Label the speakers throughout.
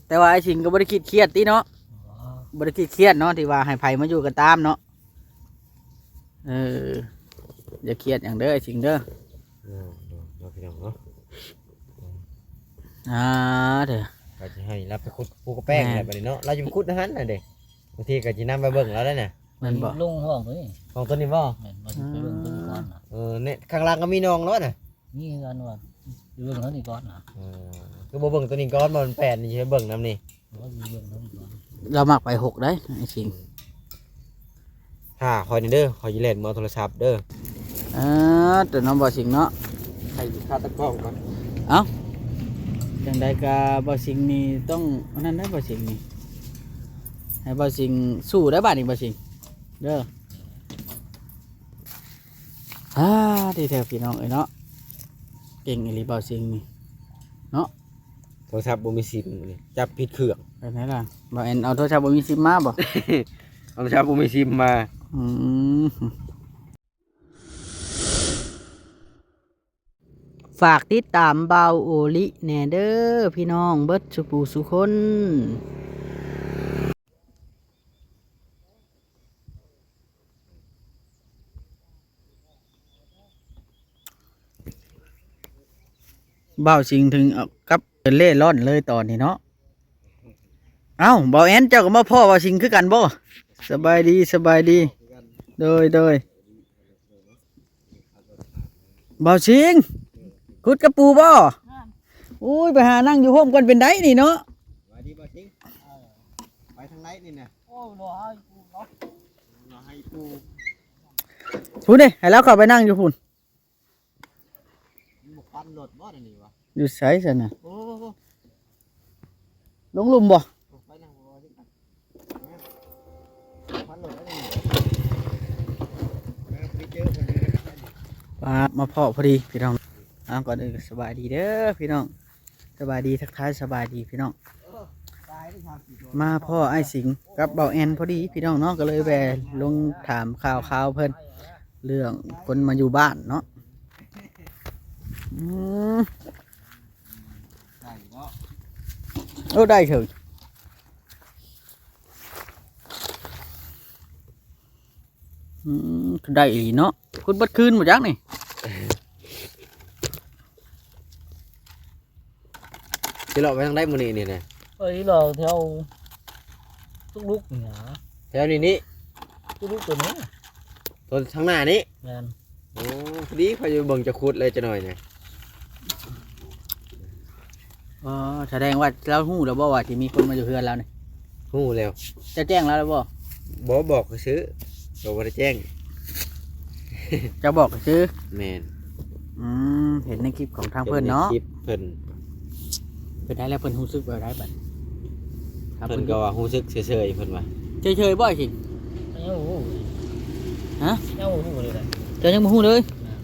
Speaker 1: แต่ว่าไอ้ชิงก็บ่ได้คิดเครียดติเนาะบ่ได้คิดเครียดเนาะที่ว่าให้ไผมาอยู่กันตามเนาะอย่าเครียดอย่างเด้อไอ้ชิงเด้อ
Speaker 2: พี่น้องเนาะ
Speaker 1: เด้อ
Speaker 2: ก็จะให้รับไปขุดปูกระแป้งอะไรแบบนี้เนาะเราจะไปขุดนะฮันน่ะเด็กบางทีก็จะนำไปเบิ่งแล้วได้เนี่ย
Speaker 1: มันบ่
Speaker 3: ลงห้องเลย
Speaker 2: ของต้นนี้บ่
Speaker 3: แม่นบ่สิไปเบิ่งต้นก่อนน่ะ
Speaker 2: เนี่ยข้างล่างก็มีน้องแล้วน่ะ
Speaker 3: นี่กันว่าอยู่เบิ่งเท่านี้ก่อนน่ะ
Speaker 2: คือบ่เบิ่งตัวนี้ก่อนมันแปดนี่ใช่เบิ่งนำนี่
Speaker 3: ว่าอยู่เบิ่งเท่านี้ก่อน
Speaker 1: เรามักไป6ได้ไอ้ชิง
Speaker 2: คอยนี่เด้อคอยสิเล่นมือโทรศัพท์เด้อ
Speaker 1: แต่น้องบ่ชิงเนาะ
Speaker 2: ใครสิคาตะกล้องก่อน
Speaker 1: เอ้าจังใดก็บ่ชิงนี่ต้องอันนั้นได้บ่ชิงนี่ให้บ่ชิงสู้ได้บัดนี้บ่ชิงเด้อดีแท้พี่น้องเอ้ยเนาะเก่งอีหลีบ่ชิงนี่เนาะ
Speaker 2: โทรศัพท์บ่มีซิมนี่จับผิดเครื่อง
Speaker 1: ไปไหนล่ะบ่แอนเอาโทรศัพท์บ่มีซิมมาบ่
Speaker 2: โทรศัพท์บ่มีซิมมา
Speaker 1: ฝากติดตามเบาโอลิแหน่เด้อพี่น้องเบิดสุปูสุคนเบาสิงถึงกับเล่ร่อนเลยตอนนี้เนาะเอ้าเบาแอนเจ้าก็มาพ่อเบาสิงคือกันบ่สบายดีโดยเบาสิงคุดกระปูบ่อุ้ยไปหานั่งอยู่ห้องกันเป็นได้นี่เนาะ
Speaker 2: ไปดีบ่สิงไปทางไหนนี่นะ
Speaker 3: โอ้บ่ให้กูเนาะ
Speaker 2: บ่ให้ปู
Speaker 1: พูดดิให้แล้วเข้าไปนั่งอยู่พุ่น
Speaker 2: บ่ปันรถบ่นี่วะ
Speaker 1: อยู่ไสซั่นน่ะ
Speaker 2: โอ้
Speaker 1: ลงหลุมบ่
Speaker 2: ไปนั่งบ่สิปันรถได้นี่ไปเจอเพิ่น
Speaker 1: มาพ่อพอดีพี่น้องก่อนอื่นสบายดีเด้อพี่น้องสบายดีทักทายสบายดีพี่น้องมาพ่อไอ้สิงกับเบาแอนพอดีพี่น้องเนาะก็เลยแวะลงถามข่าวเพิ่นเรื่องคนมาอยู่บ้านเนาะได้เถอะได้อีเนาะคุณบัดคืนหมดจังนี่
Speaker 2: สิเราไปทางใดมื้อนี้นี่นะ
Speaker 3: เอ้ยเราแถวทุกลุกนี่หา
Speaker 2: แถวนี้
Speaker 3: ทุกลุกตัวนี้
Speaker 2: ตัวทางหน้านี้
Speaker 3: แม่น
Speaker 2: โอ้พอดีพอจะเบิ่งจะขุดเลยจะหน่อยเนี่ย
Speaker 1: แสดงว่าเราหู้แล้วบ่ว่าที่มีคนมาอยู่เฮือนแล้วนี่
Speaker 2: ฮู้แล้ว
Speaker 1: จะแจ้งแล้วบ่
Speaker 2: บอกซื้อบ่ได้แจ้ง
Speaker 1: จะบอกซื้อ
Speaker 2: แม่น
Speaker 1: เห็นในคลิปของทางเพิ่นเนาะ
Speaker 2: คลิปเพิ่น
Speaker 1: ได้แล้วเพิ่นรู้สึกว่าได้บัด
Speaker 2: เพิ่นก็ว่ารู้สึกเฉยๆเพิ่นว่า
Speaker 1: เฉยๆบ่สิ
Speaker 3: ยังบ่ฮู้
Speaker 1: ฮะ
Speaker 3: ยังบ่ฮู้เลย
Speaker 1: เจ้ายังบ่ฮู้เลย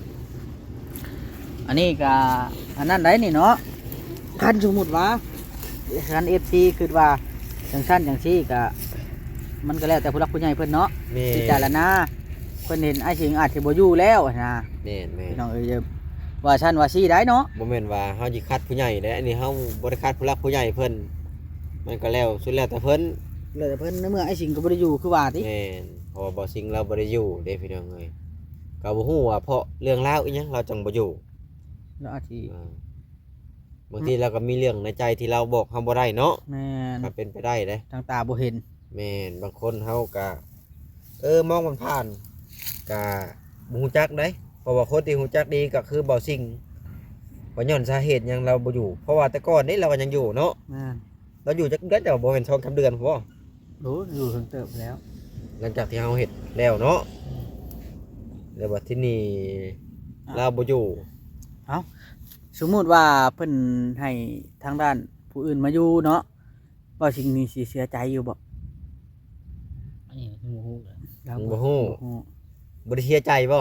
Speaker 1: อันนี้ก็อันนั้นได้นี่เนาะคันสมมุติว่าคัน FC คิดว่าจังซั่นจังซี่ก็มันก็แล้วแต่ผู้หลักผู้ใหญ่เพิ่นเนาะพิจารณาเพิ่นเห็นไอ้สิงอาจสิบ่อยู่แล้วนะ
Speaker 2: แม่น
Speaker 1: พี่น้องเอ้ยว่าชั้นว่าซี่ได้เนาะ
Speaker 2: บ่แม่นว่าเฮาสิคัดผู้ใหญ่เด้อันนี้เฮาบ่ได้คัดผู้หลักผู้ใหญ่เพิ่นมันก็แล้วสุดแล้วแต่เพิ่น
Speaker 1: ในเมื่อไอ้สิงก็บ่ได้อยู่คือว่าติ
Speaker 2: แม่นเพราะว่าบ่สิงเราบ่ได้อยู่เด้พี่น้องเอ้ยก็บ่ฮู้ว่าเพราะเรื่องราวอีหยังเราจังบ่อยู่
Speaker 1: แล้วอาทิ
Speaker 2: บางทีเราก็มีเรื่องในใจที่เราบอกเฮาบ่ได้เนาะ
Speaker 1: แม่น
Speaker 2: ก็เป็นไปได้เด้
Speaker 1: ทางตาบ่เห็น
Speaker 2: แม่นบางคนเฮาก็มองผ่านๆก็บ่ฮู้จักได้เพราะว่าคนที่ฮู้จักดีก็คือบ่สิงว่าย้อนสาเหตุหยังเราบ่อยู่เพราะว่าแต่ก่อนนี้เราก็ยังอยู่เนาะเราอยู่จักเดือนแต่บ่แม่น2-3เดือนบ่
Speaker 1: รู้อยู่ถึงเติบแล้ว
Speaker 2: หลังจากที่เฮาเฮ็ดแล้วเนาะแล้วบัดที่นี่เราบ่อยู่
Speaker 1: เอ้าสมมุติว่าเพิ่นให้ทางด้านผู้อื่นมาอยู่เนาะบ่สิ่งนี้สิเสียใจอยู่บ่
Speaker 3: อันนี้บ่ฮู้เลย
Speaker 2: บ่ฮู้บ่ได้เสียใจบ่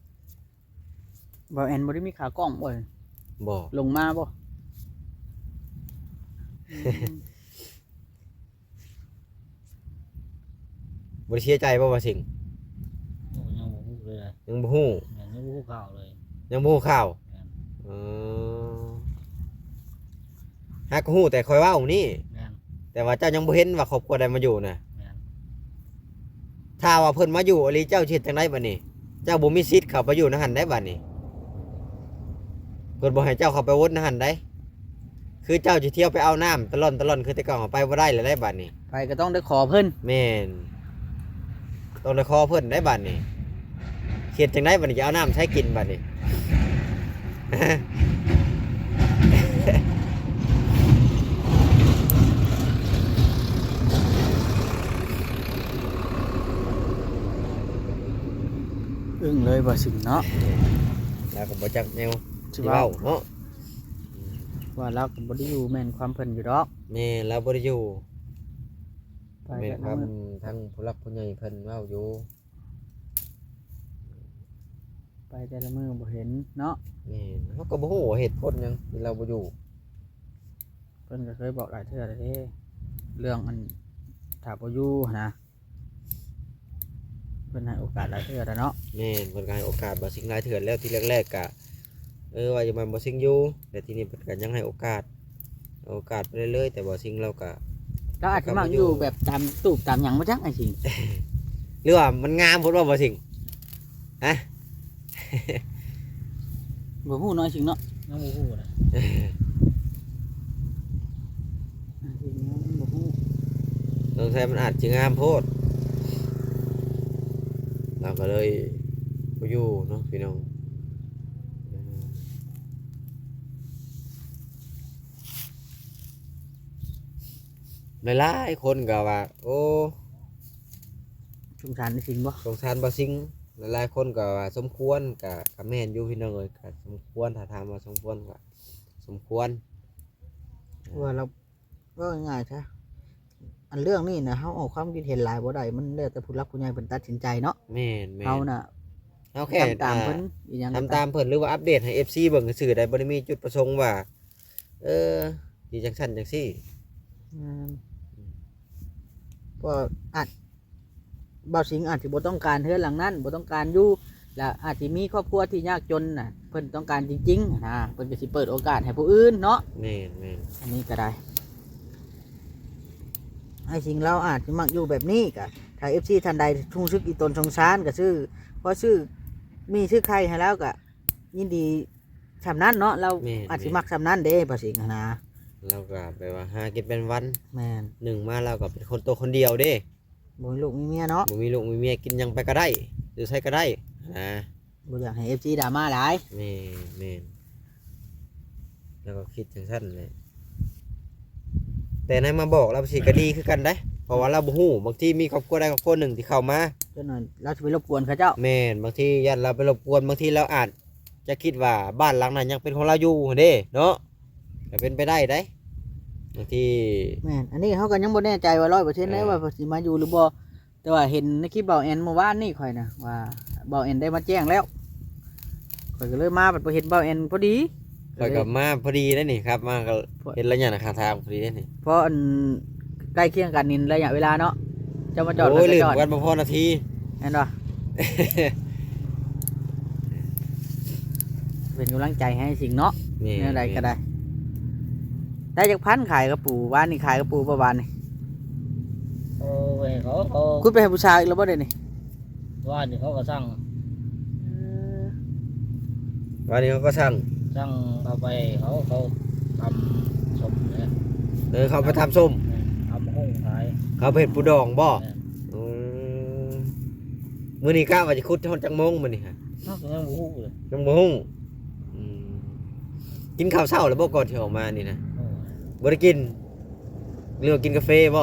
Speaker 1: แอนบ่ได้มีขากล้อง
Speaker 2: บ่
Speaker 1: ลงมาบ่
Speaker 2: บ่ได้เสียใจบ่ว่าสิง
Speaker 3: ยังบ่ฮู้เลย
Speaker 2: ยังบ่ฮู้
Speaker 3: ยังบ่ฮู้ข่าวเลย
Speaker 2: ยังบ่ฮู้ข่าวหากฮู้แต่คอยเว้านี่แต่ว่าเจ้ายังบ่เห็นว่าครอบครัวใดมาอยู่น่ะ
Speaker 3: แม่น
Speaker 2: ถ้าว่าเพิ่นมาอยู่อหลีเจ้าสิเฮ็ดจังไดบัดนี้ เจ้าบ่มีสิทธิ์เข้าไปอยู่ในหันได้บัดนี้เพิ่นบ่ให้เจ้าเข้าไปวนในหันได้คือเจ้าสิเที่ยวไปเอาน้ำตะล่อนคือแต่ก่อนเอาไปบ่ได้เลยได้บัดนี้
Speaker 1: ไปก็ต้องได้ขอเพิ่น
Speaker 2: แม่นต้องได้ขอเพิ่นได้บัดนี้เฮ็ดจังไดบัดนี้จะเอาน้ำใช้กินบัดนี้
Speaker 1: อึ้งเลยบ่สิงเนาะ
Speaker 2: แล้วก็บ่จักแนว
Speaker 1: สิ
Speaker 2: สิ
Speaker 1: เว้า
Speaker 2: เว้าเนาะ
Speaker 1: ว่าเราก็บ่ได้อยู่แม่นความเพิ่นอยู่ดอก
Speaker 2: แม่เราบ่ได้อยู่
Speaker 1: ไป
Speaker 2: แม่น
Speaker 1: กัน
Speaker 2: ความ
Speaker 1: นำ
Speaker 2: ทั้งผู้หลักผู้ใหญ่เพิ่นเว้าอยู่
Speaker 1: ไปแต่ละมื้อบ่เห็นเนาะ
Speaker 2: แม่นเฮาก็บ่ฮู้ว่าเหตุผลหยังที่เราบ่อยู่
Speaker 1: เพิ่นก็เคยบอกหลายเทื่อแล้วเด้เรื่องอันถ้าบ่อยู่หั้นนะเพิ่นให้โอกาสหลายเทื่อแล้วเนาะ
Speaker 2: แม่นเพิ่นก็ให้โอกาสบ่สิ่งหลายเถื่อนแล้วที่แรกๆก็ว่าจะมันบ่สิ่งอยู่แต่ทีนี้เพิ่นก็ยังให้โอกาสไปเรื่อยๆแต่บ่สิ่งเราก็
Speaker 1: เราอาจจะมักอยู่แบบตามตูบตามหยังบ่จักไอ้สิง
Speaker 2: หรือว่ามันงามพุ่นว่าบ่สิ่งฮะ
Speaker 1: บ่ฮู้เนาะไอ้สิงเนาะ
Speaker 3: ยังบ่ฮู้นะ
Speaker 1: ไอ้สิงเนาะบ่ฮู้
Speaker 2: สงสัยมันอาจจะงามโพดเราก็เลยบ่อยู่เนาะพี่น้องหลายๆคนก็ว่าโอ้
Speaker 1: สงสารไอ้สิงบ่
Speaker 2: สงสารบ่สิ่งหลายๆคนก็ว่าสมควรก็แม่นอยู่พี่น้องเอ้ยก็สมควรถ้าถามว่าสมควรก็สมควร
Speaker 1: ว่าเราก็ง่ายๆซะอันเรื่องนี้นะเฮาออกความคิดเห็นหลายบ่ได้มันแล้วแต่ผู้หลักผู้ใหญ่เพิ่นตัดสินใจเนาะ
Speaker 2: แม่น
Speaker 1: เฮาน่ะ
Speaker 2: เอาแค่
Speaker 1: ทำตามเพิ่นอีหยังก็
Speaker 2: ทำตามเพิ่นหรือว่าอัปเดตให้ FC เบิ่งซื่อๆได้บ่ได้มีจุดประสงค์ว่าสิจังซั่นจังซี่
Speaker 1: อืมก็อาจบ่าวสิงอาจสิบ่ต้องการเฮือนหลังนั้นบ่ต้องการอยู่และอาจสิมีครอบครัวที่ยากจนน่ะเพิ่นต้องการจริงๆนะเพิ่นก็สิเปิดโอกาสให้ผู้อื่นเนาะ
Speaker 2: แม่น
Speaker 1: อันนี้ก็ได้ไอ้สิงเราอาจจะมักอยู่แบบนี้ก็ถ้า FC ท่านใดทุ่งซึกอีตนสงสารก็ซื้อพอซื้อมีซื้อใครให้แล้วก็ยินดีสำนั้นเนาะเราอาจสิมักสำนั้นเด้บ่าวสิงนะ
Speaker 2: เราก็แปลว่าหากินเป็นวัน
Speaker 1: แม่น
Speaker 2: หนึ่งมาเราก็เป็นคนตัวคนเดียวเด้
Speaker 1: บ่มีลูกมีเมียเนาะ
Speaker 2: บ่มีลูกมีเมียกินหยังไปก็ได้หรือใช้ก็ได้นะ
Speaker 1: บ่อยากให้ FC ดราม่าหลาย
Speaker 2: แม่นแล้วก็คิดจังซั่นเลยแต่นายมาบอกเราสิก็ดีคือกันได้เพราะว่าเราบ่ฮู้บางทีมีครอบครัวใดครอบครัวหนึ่งที่เข้ามา
Speaker 1: จนหน่อยเราจะไปรบกวนเขาเจ้า
Speaker 2: แม่นบางทียันเราไปรบกวนบางทีเราอาจจะคิดว่าบ้านหลังนั้นยังเป็นของเราอยู่เด้เนาะก็เป็นไปได้ได้บางที
Speaker 1: แม่นอันนี้เขาก็ยังบ่แน่ใจว่า100%ได้ว่าสิมาอยู่หรือบ่แต่ว่าเห็นในคลิปเบาแอนเมื่อวานนี่ข่อยนะว่าเบาแอนได้มาแจ้งแล้วข่อยก็เลยมาบัดบ่เห็นเบาแอนพอดี
Speaker 2: ข่อยกลับมาพอดีได้นี่ครับมาก็เห็นระยะข้างทางพอดีได้นี่
Speaker 1: เพราะอันใกล้เคียงกันนี่ระยะเวลาเนาะจะมาจอด
Speaker 2: โอ้ย
Speaker 1: ก็
Speaker 2: ลืม
Speaker 1: จอด
Speaker 2: กันบ่พอนาที
Speaker 1: เห็นบ่เป็นกำลังใจให้สิ่งเนาะ
Speaker 2: แม่
Speaker 1: เนี่ยใดก็ได้ ได้จากพันขายกระปูบ้านนี่ขายกระปูประมาณนี่
Speaker 3: โอ้ยเขา
Speaker 1: คุณไปให้ผู้ชายอีกแล้วบ่เด้นี่
Speaker 3: ว่านี่เขาก็สั่ง
Speaker 2: วันนี้เขาก็สั่ง
Speaker 3: เอาไปเขาทำสมเนี่ย
Speaker 2: เขาไปทำส้ม
Speaker 3: ทำห้องขาย
Speaker 2: เขาไปเห็ดปูดองบ่
Speaker 3: แม่น
Speaker 2: อืมมื้อนี้กะว่าจะคุดฮอดจังโมงมื้อนี้ฮะ
Speaker 3: เนาะยังบ่ฮู้เลย
Speaker 2: จังโมงอืมกินข้าวเช้าแล้วบ่ก่อนที่ออกมานี่นะ
Speaker 3: โอ้ย
Speaker 2: บ่ได้กินเรือว่ากินกาแฟบ่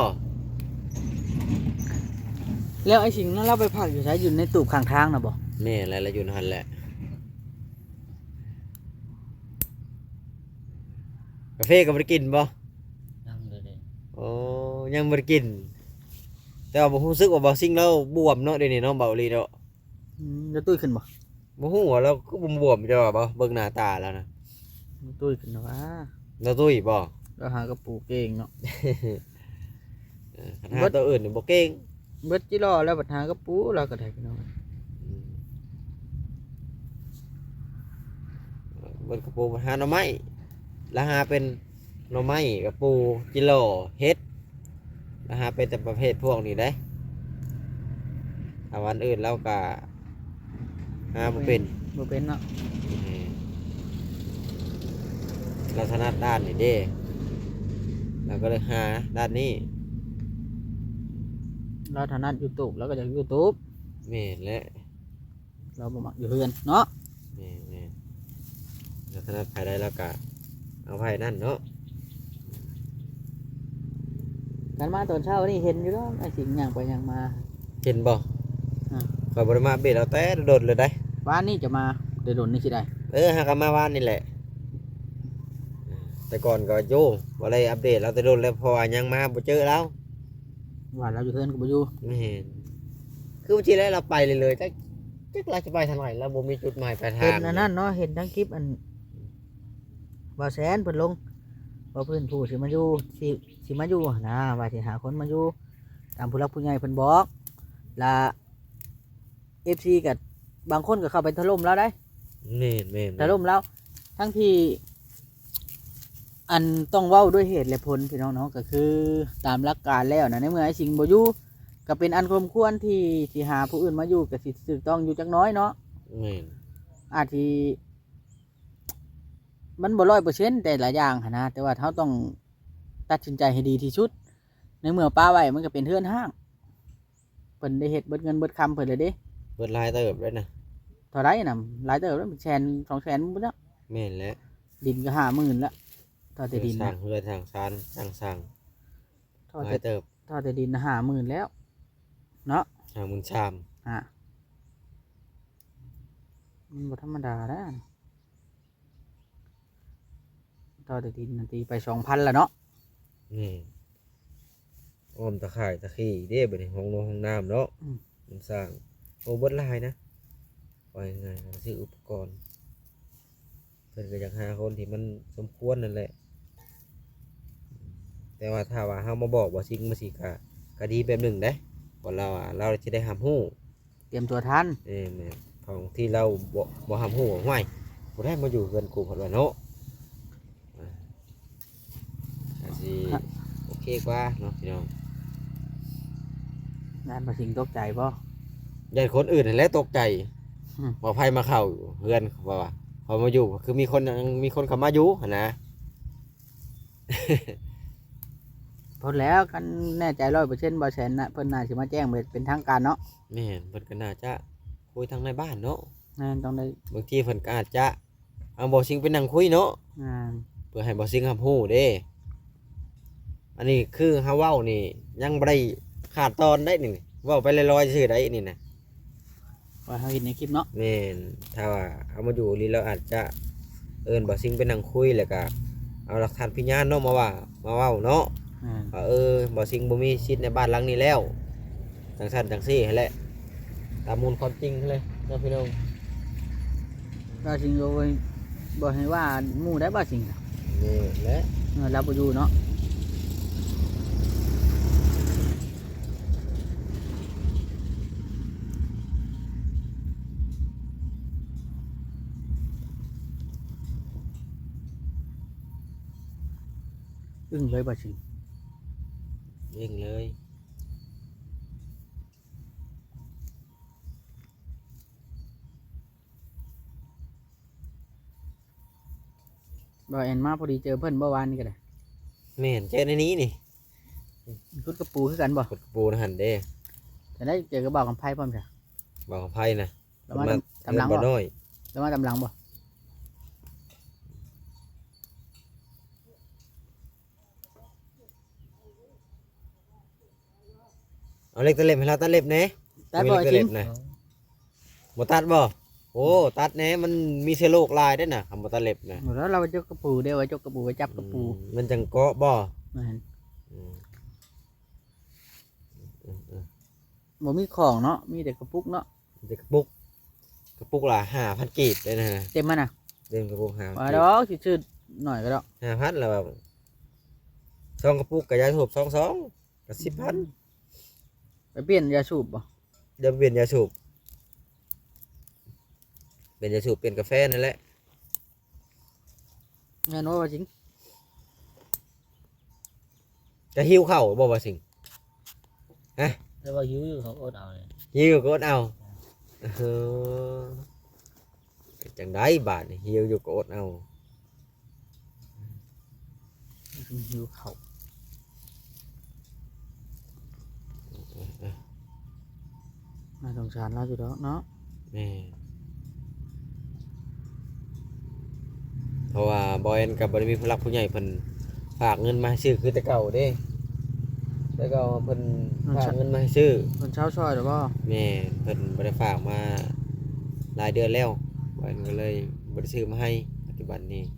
Speaker 1: แล้วไอ้สิ่งนั้นเราไปพักอยู่ใช้อยู่ในตูบข้างทางนะบ่
Speaker 2: แม่อะไรละอยู่นั่นแหละกาแฟก็บ่ได้กินบ่
Speaker 3: ยังเลยเด้
Speaker 2: โอ้ยังบ่ได้กิน แต่ว่าบ่รู้สึกว่าบ่สิ่งเราบวมเนาะเดี๋ยวนี้เนาะเบาอีหลีเนาะ
Speaker 1: จะตุ้ยขึ้นบ่
Speaker 2: บ่ฮู้ว่าเราก็บวมๆจ้ะว่าบ่เบิ่งหน้าตาแล้วนะ
Speaker 1: ตุ้ยขึ้นนะว่า
Speaker 2: เราตุ้ยบ่
Speaker 1: เราหากระปูเก่งเนาะ
Speaker 2: คันหาตัวอื่นนี่บ่เก่ง
Speaker 1: เบิดจิรอแล้วบัดหากระปูเราก็ได้พี่น้อง
Speaker 2: เบิ่งกระปูหาหน่อไม้แล้วหาเป็นหน่อไม้กระปูจิโลเฮ็ดนะฮะเป็นแต่ประเภทพวกนี้ได้วันอื่นเราก็หาบ่เป็น
Speaker 1: บ่เป็นเนาะ
Speaker 2: เราถนัดด้านนี้เด้เราก็เลยหาด้านนี้
Speaker 1: เราถนัด YouTube แล้วก็จาก YouTube
Speaker 2: แม่นและ
Speaker 1: เราบ่มักอยู่เฮือนเนาะ
Speaker 2: แม่นเราถนัดภายใดแล้วก็เอาภายนั่นเนาะ
Speaker 1: กันมาตอนเช้านี่เห็นอยู่แล้วไอ้สิงย่างไปย่างมา
Speaker 2: เห็นบ่
Speaker 1: อ่า
Speaker 2: คอยบริมาเบ็ดเอาแต่โดดเลยได้
Speaker 1: บ้านนี้จะมาเดี๋ยวโดนนี่สิได้
Speaker 2: หากันมาวานนี่แหละ แต่ก่อนก็โย่บ่ได้อัปเดตเราแต่โดนแล้วเพอยังมาบ่เจอแล้ว
Speaker 1: ว่าเราอยู่เฮือนก็บ่อยู่
Speaker 2: ไม่เห็นคือบางทีแล้วเราไปเลยจักเราจะไปทางไหนเราบ่มีจุดหมายปลายทา
Speaker 1: เห็
Speaker 2: ง
Speaker 1: นอันนั้นเนาะเห็นทั้งคลิปอันว่าแสนเพิ่นลงว่าเพิ่นผู้สิมาอยู่สิมาอยู่นะว่าสิหาคนมาอยู่ตามผู้หลักผู้ใหญ่เพิ่นบอกและ FC กับบางคนก็เข้าไปถล่มแล้วได้
Speaker 2: แม่นแม่น
Speaker 1: ถล่มแล้วทั้งที่อันต้องเว้าด้วยเหตุและผลพี่น้องเนาะก็คือตามหลักการแล้วนะในเมื่อไอ้สิงบ่อยู่ก็เป็นอันควรที่สิหาผู้อื่นมาอยู่ก็สิถูกต้องอยู่จักหน้อยเนาะ
Speaker 2: แม่น
Speaker 1: อาจที่มันบ่100%แต่หลายอย่างหั้นนะแต่ว่าเขาต้องตัดสินใจให้ดีที่สุดในเมื่อป้าไว้มันก็เป็นเฮือนห้างเพิ่นได้เฮ็ดเบิดเงินเบิดคำเพิ่นเลยเด้
Speaker 2: เปิดลายเติบเลยนะ
Speaker 1: เท่าไรน่ะหลายเติบแล้ว100,000 200,000บ่แล้ว
Speaker 2: แม่นแล้ว
Speaker 1: ดินก็50,000แล้วเท่าแต่ดิน
Speaker 2: สร้า
Speaker 1: นะ
Speaker 2: งเฮือนสร้างซานสร้าง
Speaker 1: เท่า
Speaker 2: ลา
Speaker 1: แต่
Speaker 2: ยเติบ
Speaker 1: เท่าแต่ดิน50,000แล้วเนาะ
Speaker 2: ทางมุนชาม
Speaker 1: อ่ะมันบ่ธรรมดาแล้วเท่าแต่ดินน่ะตีไป 2,000แล้วเนาะ
Speaker 2: นี่อ้อมตะข่ายตะขี้เด้บัดนี้ห้องนงห้องน้ำเนาะมันสร้างโอ้เบิดลายนะว่ายังไงซื้ออุปกรณ์เพิ่นก็อยากหาคนที่มันสมควรนั่นแหละ แต่ว่าถ้าว่าเฮามาบอกว่าสิ่งมาสิก็ดีแบบหนึ่งเด้ว่าเราจะได้หำฮู้
Speaker 1: เตรียมตัวทัน
Speaker 2: แม่นของที่เราบ่หำฮู้ว่าห้วยบ่ได้มาอยู่เกินกูเพิ่นว่าเนาะอาจสิโอเคกว่าเนาะพี่น้อง
Speaker 1: งานบ่สิงตกใจบ่
Speaker 2: ญาติคนอื่นนั่นแหละตกใจ
Speaker 1: อืม
Speaker 2: ว่าไผมาเข้าเฮือนว่าพอมาอยู่คือมีคนเข้ามาอยู่หั่นนะ
Speaker 1: พอแล้วกันแน่ใจ100%บ่แสนนะเพิ่นน่าสิมาแจ้งเป็นทางการเนาะ
Speaker 2: แม่นเพิ่นก็น่าจะคุยทางในบ้านเนาะ
Speaker 1: แม่นต้องได้
Speaker 2: บางทีเพิ่นก็อาจจะเอาบ่ซิงไปนั่งคุยเนาะ
Speaker 1: งาน
Speaker 2: เพื่อให้บ่ซิงรับรู้เด้ อันนี้คือเฮาเว้านี่ยังบ่ได้ขาดตอนได้นี่เว้าไปลอยๆซื่อได้นี่นะ
Speaker 1: ว่าเฮาเห็นในคลิปเนาะ
Speaker 2: แม่นถ้าว่าเอามาอยู่นี่เราอาจจะเอิ้นบ่ซิงไปนั่งคุยแล้วก็เอาหลักฐานพยานเนาะมาเว้าเนาะ
Speaker 1: อ่า
Speaker 2: ว่าบ่ซิงบ่มีสิทธิ์ในบ้านหลังนี้แล้วจังซั่นจังซี่ให้แหละตามมูลความจริงเลยเนาะพี่น้อง
Speaker 1: บ่สิงบ่ให้ว่าหมู่ได้บ่สิงอะ
Speaker 2: นี่แหละ
Speaker 1: เราบ่อยู่เนาะอึ้งเลยบ่สิง
Speaker 2: ยิงเลย
Speaker 1: บ่แอนมาพอดีเจอเพิ่นเมื่อวานนี่ก็ได้
Speaker 2: แม่นเจอในนี้นี่
Speaker 1: คุดกระปูคือกันบ่
Speaker 2: กดปูนะหั่นเด้
Speaker 1: จะได้เจอกระบอกกับไผพร้อมจ้ะ
Speaker 2: บ่ของไผนะ
Speaker 1: แล้วมาตำหลัง
Speaker 2: บ่
Speaker 1: บ่
Speaker 2: น้อย
Speaker 1: แล้วมาตำหลังบ่
Speaker 2: เอาเล็กตะเล็บให้เราตัดเล็บแหน่
Speaker 1: แต่
Speaker 2: มี
Speaker 1: บ่
Speaker 2: เล็กตะ
Speaker 1: สิ
Speaker 2: เล็
Speaker 1: ง
Speaker 2: บนะบ่ตัดบ่โอ้ตัดแหน่มันมีเชื้อโรคลายด้วยนะคำบ่ตัดเล็บนะ
Speaker 1: แล้วเราไปจกกระปูเดี๋ยวไว้จกกระปูไว้จับกระปู
Speaker 2: มันจังเกาะบ่
Speaker 1: แม่น
Speaker 2: อืมอืม
Speaker 1: บ่มีของเนาะมีแต่กระปุกเนาะ
Speaker 2: เด็กกระปุกละ5,000กีบเลยนะ
Speaker 1: เต็มมันน่ะ
Speaker 2: เล่นกระปุก
Speaker 1: ว่า
Speaker 2: 5,000
Speaker 1: ดอกสิซื้อหน่อยก็ดอก
Speaker 2: 5,000แล้วแบบซองกระปุกกับยาสูบ2ก็10,000
Speaker 1: ไปเปลี่ยนยาสูบบ่
Speaker 2: เดี๋ยวเปลี่ยนยาสูบเปลี่ยนยาสูบเปลี่ยนกาแฟนั่นแหละ
Speaker 1: แม่นว่าจริง
Speaker 2: จะหิวข้าวบ่ว่าสิง
Speaker 3: แต่ว่าหิวอยู่เขาอดเอาเลย
Speaker 2: หิวก็อดเอาเออจังไดบาดนี่หิวอยู่ก็อดเอา
Speaker 1: หิวเขาน่าสงสารเราอยู่ดอกเนาะ
Speaker 2: แม่เพราะว่าบอยแอนกับบริมีผู้หลักผู้ใหญ่เพิ่นฝากเงินมาให้ซื้อคือแต่เก่าเด้แต่เก่าเพิ่นฝากเงินมาให้ซื้อ
Speaker 1: คนเช้าช่อยหรือเปล่า
Speaker 2: แม่เพิ่นบ่ได้ฝากมาหลายเดือนแล้วบอยแอนก็เลยบ่ได้ซื้อมาให้ปัจจุบันนี้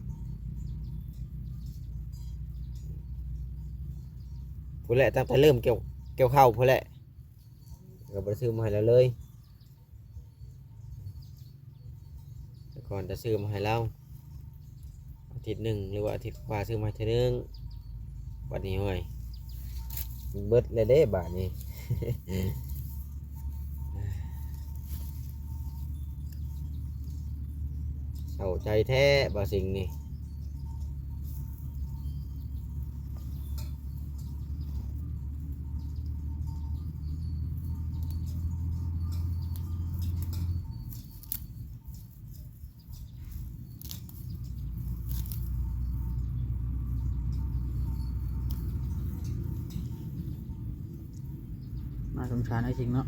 Speaker 2: ผู้แหละตั้งแต่เริ่มเกี่ยวข้าวผู้แหละก็บ่ได้ซื้อมาให้แล้วเลยแต่ก่อนจะซื้อมาให้เราอาทิตย์หนึ่งหรือว่าอาทิตย์กว่าซื้อมาเท่านึงบัดนี้ห่วยเบิดเลยเด้บาดนี้ เศร้าใจแท้บ่สิ่งนี้
Speaker 1: น่าสงสารไอ้สิงเนาะ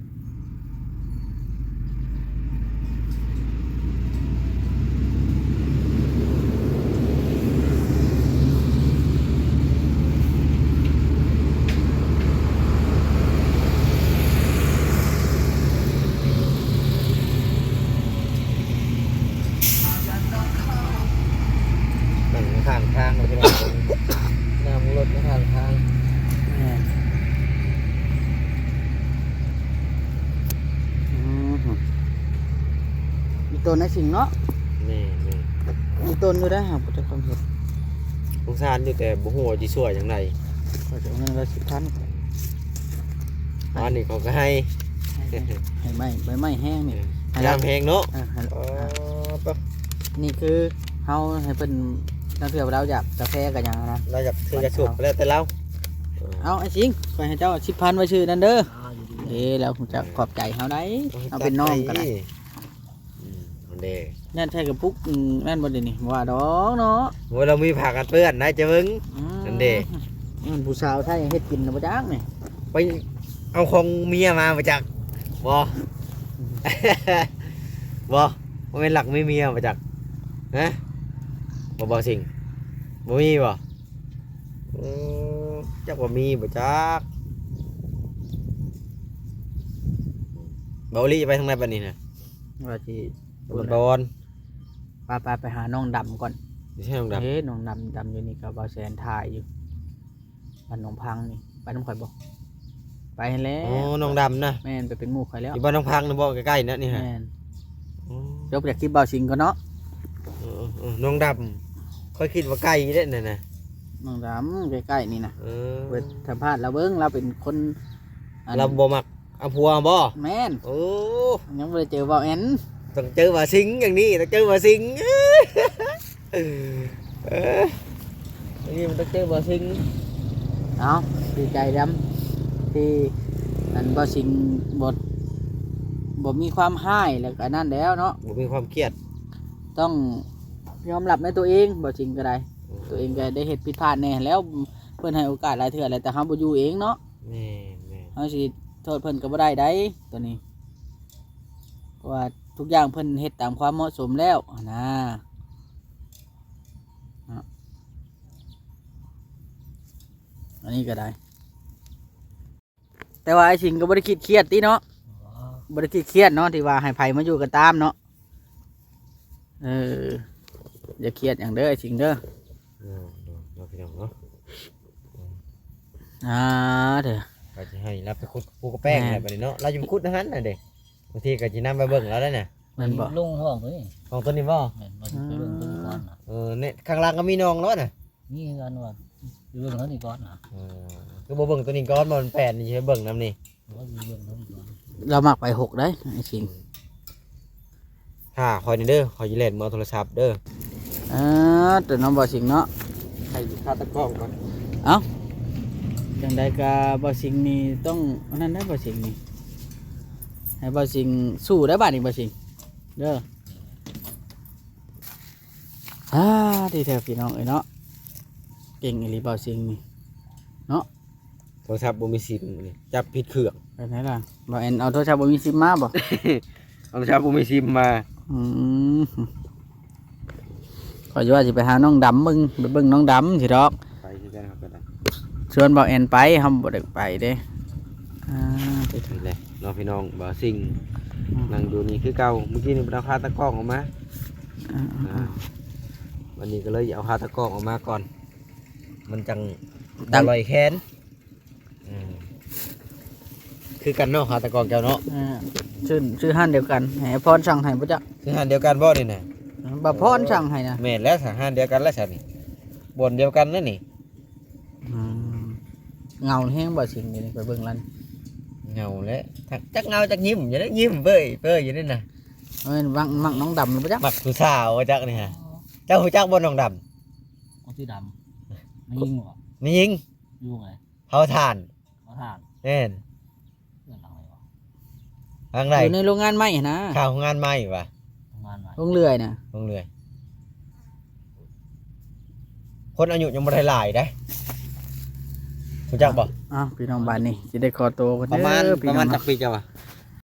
Speaker 2: นั่งข้างทางเลยพี่น้องนั่งรถข้างทาง
Speaker 1: แม่มีต้นไอ้สิงเนาะ
Speaker 2: นี่
Speaker 1: มีต้นอยู่ได้หาบ่จะต้องเห็ด
Speaker 2: สงสารอยู่แต่บ่ฮู้ว่าสิช่วยจังได
Speaker 1: ก็จะเอาเงินละ10,000
Speaker 2: อันนี้เขาก็ให้
Speaker 1: ให้ไหมใบไม้แห้งนี่ให้
Speaker 2: ยามแพงเนาะ
Speaker 1: ให้
Speaker 2: อ๋อปะ
Speaker 1: นี่คือเฮาให้เพิ่นนักเที่ยวเราอยากกาแฟกันอย่างนะ
Speaker 2: เราอยากซื้อกระสุบก็แล้วแต่เรา
Speaker 1: เอาไอ้สิงไปให้เจ้า10,000ไว้ชื่อนั่นเด้อ
Speaker 3: อยู่ดี
Speaker 1: แล้วผมจะขอบใจเฮาได้เอาเป็นน้องกันได้
Speaker 2: เอาเด้
Speaker 1: นั่นใช่กับปุ๊กนั่นบ่ได้นี่ว่าดอกเนาะ
Speaker 2: โอ้ยเรามีผักกันเปื้อนนะจะเบิ่ง นั่นเด้
Speaker 1: มันผู้สาวไทยเฮ็ดกินน่ะบ่จักนี่
Speaker 2: ไปเอาของเมียมาจากบ่ บ่บ่เป็นหลักไม่เมียมาจากฮะบ่สิ่งบ่มีบ่จักว่ามีบ่จักเบาลี่ไปทางไหนบัดนี้น่ะ
Speaker 1: ว่าสิ
Speaker 2: บอล
Speaker 1: ไปหาน้องดำก่อน
Speaker 2: ไม่ใช่น้องดำ
Speaker 1: เฮ้น้องดำอยู่นี่ก็บ่แสนถ่ายอยู่บ้านหนองพังนี่ไปน้ำข่อยบ่ไปแล้ว
Speaker 2: อ๋อน้องดำนะ
Speaker 1: แม่นไปเป็นหมู่ข่อยแล้ว
Speaker 2: อยู่บ้านน้องพังนะบ่ใกล้ๆนะนี่ฮะ
Speaker 1: แม่นจบจากคลิปเบาสิงก่อนเนาะ
Speaker 2: น้องดำค่อยคิดว่าใกล้เด้นั่นน่ะ
Speaker 1: น้องดำใกล้ๆนี่นะเปิด
Speaker 2: อ
Speaker 1: สัมภาษณ์เราเบิ่งเราเป็นคนอัน
Speaker 2: เราบ่มักเอาผัวบ่
Speaker 1: แม่น
Speaker 2: โอ้
Speaker 1: ยังบ่ได้เจอเบาแอน
Speaker 2: ต้องเจอว่าสิงอย่างนี้ต้องเจอว่าสิงอันนี้มันต้องเจอว่าสิง
Speaker 1: เอาดีใจดำที่อันเบาสิงบ่มีความห้ายแล้วก็นั่นแล้วเนาะ
Speaker 2: บ่มีความเครียด
Speaker 1: ต้องยอมรับในตัวเองเบาสิงก็ได้ตัวเองก็ได้เฮ็ดผิดพลาดแน่แล้วเพิ่นให้โอกาสหลายเทื่อแล้วแต่เฮาบ่อยู่เองเนาะ
Speaker 2: แม่
Speaker 1: เฮาสิโทษเพิ่นก็บ่ได้ตัวนี้เพราะว่าทุกอย่างเพิ่นเฮ็ดตามความเหมาะสมแล้วนะอันนี้ก็ได้แต่ว่าไอ้สิงก็บ่ได้คิดเครียดติเนาะบ่ได้คิดเครียดเนาะที่ว่าให้ไผมาอยู่กันตามเนาะอย่าเครียดอย่างเด้อไอ้สิงเด้อ
Speaker 2: เราพี่น้องเนาะ
Speaker 1: เด้อ
Speaker 2: ก็จะให้รับไปคุดปูกระแป้งอะไรแบบนี้เนาะเราจะไปคุดนะฮันน่ะเด็กบางทีก็จะนำไปเบิ่งแล้วได้เนี่ย
Speaker 1: มันบ่
Speaker 3: ลุงห้องเฮ้ย
Speaker 2: ของต้นนี้บ่
Speaker 3: แม่นบ่สิไปเบิ่งต้นก่อนน่ะ
Speaker 2: เนี่ยข้างล่างก็มีน้องแล้วน่ะ
Speaker 3: นี่กันว่าไปเบิ่งเขานี่ก่อนน่ะ
Speaker 2: คือบ่เบิ่งตัวนี้ก้อนมันแปดนี่ใช่เบิ่งน้ำนี่
Speaker 3: ว่าสิเบิ่งเขานี่ก่อน
Speaker 1: เรามักไป6ได้ไอ้สิง
Speaker 2: ค่ะคอยนี่เด้อคอยยิเล่นมือโทรศัพท์เด้อ
Speaker 1: ตัวน้องบ่สิงเนาะ
Speaker 2: ใครคาตะกล้องก่อน
Speaker 1: เอ้าจังใดก็บ่สิ่งนี้ต้องอันนั้นได้บ่สิ่งนี้ให้บ่สิ่งสู้ได้บัดนี้บ่สิ่งเด้อดีแท้พี่น้องเอ้ยเนาะเก่งอีหลีบ่สิ่งนี่
Speaker 2: โทรศัพท์บ่มีซิมนี่จับผิดเครื่อง
Speaker 1: ไปไหนล่ะบ่แอนเอาโทรศัพท์บ่มีซิมมาบ่
Speaker 2: โทรศัพท์บ่มีซิมมา
Speaker 1: อืมก็อยู่ว่าสิไปหาน้องดำมึงไปเบิ่งน้องดำสิดอก
Speaker 2: ไปคือกันครับก็ได้
Speaker 1: ชวนบ่แอนไปเฮาบ่ได้ไปเด้ไป
Speaker 2: นี่แหละน้องพี่น้องบ่ซิงนั่งดูนี่คือเก่าเมื่อกี้นี่เราพาตะกร้องออกมาวันนี้ก็เลยเอาพาตะกร้องออกมาก่อน มันจังอร่อยแค้นคือกันเนาะพาตะกร้องเจ้าเนาะ
Speaker 1: ชื่อห้านเดียวกันให้พรสั่งให้บ่จ๊ะ
Speaker 2: คือหันเดียวกันบ่นี่น่ะ
Speaker 1: บ่พรสั่งให้นะ
Speaker 2: แม่นแล้วสหารเดียวกันแล้วสันนี่บนเดียวกันนั่นนี่
Speaker 1: เงาแห้งบ่สิ่งนี้ไปเบิ่งลั่น
Speaker 2: เงาแล้วจักเงาจักยิ้มอย่าได้ยิ้มเบ้ยเบ้ยอยู่นี่น่ะ
Speaker 1: เอ้ยมักน้องดำบ่จ๊ะ
Speaker 2: มักผู้สาวจักนี่ฮะเจ้าหูจักบ่น้องด
Speaker 3: เอาที่ดำไม่ยิงหรอ
Speaker 2: ำนี่ยิง
Speaker 3: ยุ่งไง
Speaker 2: เผาถ่าน
Speaker 3: เขาทาน
Speaker 2: แน่น
Speaker 3: เรื่องอะไรวะ
Speaker 2: ทางไหน
Speaker 1: อยู่ในโรงงานไม้นะ
Speaker 2: ข้าวงานใหม่ว่ะ
Speaker 3: ทำงานใหม่
Speaker 1: โรงเลื่อยน่ะ
Speaker 2: ลงเรือคนอายุยังบ่ได้หลายได้หูจักบ่
Speaker 1: พี่น้องบ้านนี่สิได้ขอตัวกัน
Speaker 2: ประมาณ
Speaker 1: เด้อพี่
Speaker 2: ประ
Speaker 1: น้
Speaker 2: มา
Speaker 1: อ
Speaker 2: ณ
Speaker 1: ง
Speaker 2: จักปีเจ้าวะ